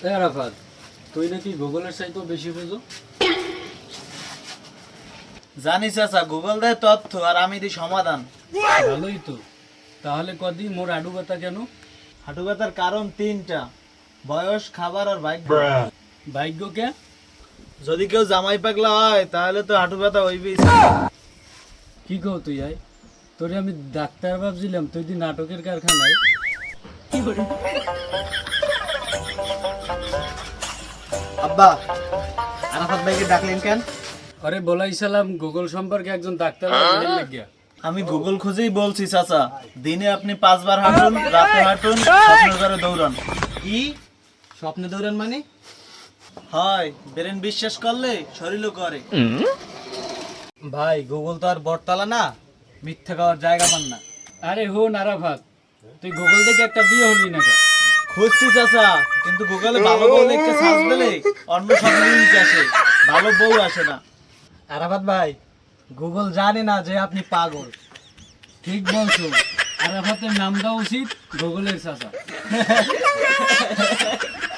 আরাফাত, তুই নাকি গুগলের চাইতেও বেশি বুঝো। জানি চাচা, গুগল দেয় তথ্য আর আমি দিই সমাধান। ভালোই তো। তাহলে কদি মোর আডু ব্যথা কেন? হাঁটু ব্যথার কারণ তিনটা: বয়স, খাবার আর ভাগ্য। ভাগ্য কে? যদি কেউ জামাই পাগলা হয় তাহলে তো হাঁটু ব্যথা হইবেই। কি কও তুই আয়? তোরে আমি ডাক্তার ভাবছিলাম, তুই দি নাটকের কারখানায়। আব্বা, আরাফাত ভাইকে ডাকলেন কেন? আরে বলাইছিলাম গুগল সম্পর্কে একজন ডাক্তার লাগিয়া। আমি গুগল খুঁজেই বলছি চাচা, দিনে আপনি 5 বার হাঁটুন, রাতে হাঁটুন, স্বপ্ন করে দৌড়ান। কি স্বপ্নে দৌড়ান মানে? হয়, ব্রেন বিশ্বাস করলে শরীরও করে। ভাই গুগল তো আর বটতলা না, মিথ্যা খাওয়ার জায়গা পান না। আরে হো নারাফাত, তুই গুগল থেকে একটা বিয়ে হলি না কেন? খুঁজছি চাচা, কিন্তু গুগলে ভালো বউ লিখতে সার্চ দিলে অন্য সব লিঙ্ক আসে, ভালো বউ আসে না। আরাফাত ভাই, গুগল জানে না যে আপনি পাগল। ঠিক বলছো, আরাফাতের নাম দেওয়া উচিত গুগলের চাচা।